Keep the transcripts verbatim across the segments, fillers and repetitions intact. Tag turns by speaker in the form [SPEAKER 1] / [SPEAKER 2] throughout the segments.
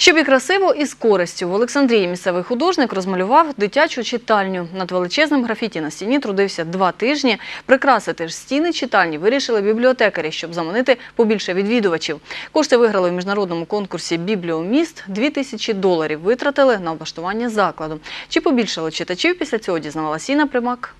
[SPEAKER 1] Щоб і красиво, і з користю. В Олександрії місцевий художник розмалював дитячу читальню. Над величезним графіті на стіні трудився два тижні. Прикрасити ж стіни читальні вирішили бібліотекарі, щоб заманити побільше відвідувачів. Кошти виграли у міжнародному конкурсі «Бібліоміст». Дві тисячі доларів витратили на облаштування закладу. Чи побільшало читачів після цього, дізнавалася Інна Примак.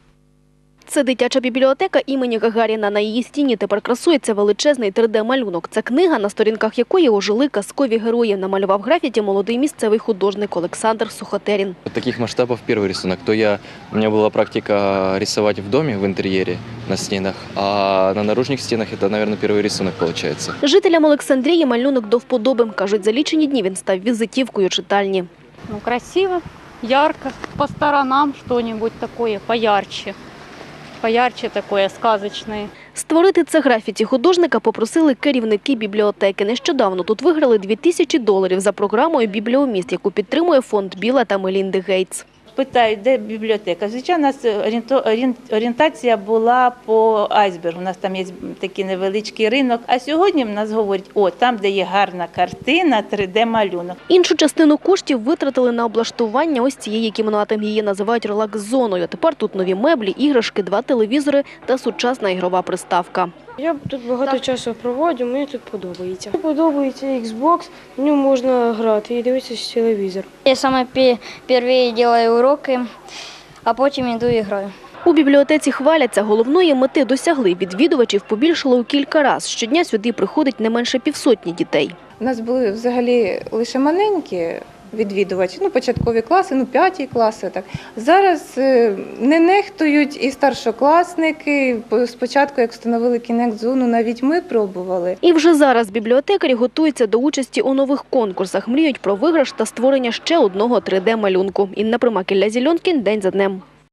[SPEAKER 2] Це дитяча бібліотека імені Гагаріна. На її стіні тепер красується величезний три де-малюнок. Це книга, на сторінках якої ожили казкові герої. Намалював графіті молодий місцевий художник Олександр Сухотерін.
[SPEAKER 3] Таких масштабов первый рисунок. То я, у меня была практика рисовать в доме, в интерьере, на стенах, а на наружных стенах это, наверное, первый рисунок получается.
[SPEAKER 2] Жителям Олександрії малюнок до вподоби. Кажуть, за лічені дні він став візитівкою читальні.
[SPEAKER 4] Ну, красиво, ярко, по сторонам что-нибудь такое поярче. Поярче такое, сказочне.
[SPEAKER 2] Створити це графіті художника попросили керівники бібліотеки. Нещодавно тут виграли дві тисячі доларів за програмою «Бібліоміст», яку підтримує фонд Біла та Мелінди Гейтс.
[SPEAKER 5] Питають, де бібліотека. Звичайно, у нас орієнтація була по айсбергу. У нас там є такий невеличкий ринок. А сьогодні в нас говорять, о, там, де є гарна картина, три де-малюнок.
[SPEAKER 2] Іншу частину коштів витратили на облаштування ось цієї кімнати. Її називають релакс-зоною. Тепер тут нові меблі, іграшки, два телевізори та сучасна ігрова приставка.
[SPEAKER 6] Я тут багато так. часу проводжу, мені тут подобається. Мені подобається Xbox, в ньому можна грати і дивитися телевізор.
[SPEAKER 7] Я саме перші роблю уроки, а потім йду і граю.
[SPEAKER 2] У бібліотеці хваляться, головної мети досягли. Відвідувачів побільшало у кілька разів. Щодня сюди приходить не менше півсотні дітей.
[SPEAKER 8] У нас були взагалі лише маленькі відвідувачі, ну, початкові класи, ну, п'яті класи. Так. Зараз не нехтують і старшокласники. Спочатку, як встановили кінект-зону, навіть ми пробували.
[SPEAKER 2] І вже зараз бібліотекарі готуються до участі у нових конкурсах. Мріють про виграш та створення ще одного три де-малюнку. Інна Примак, Ілля Зільонкін. День за днем.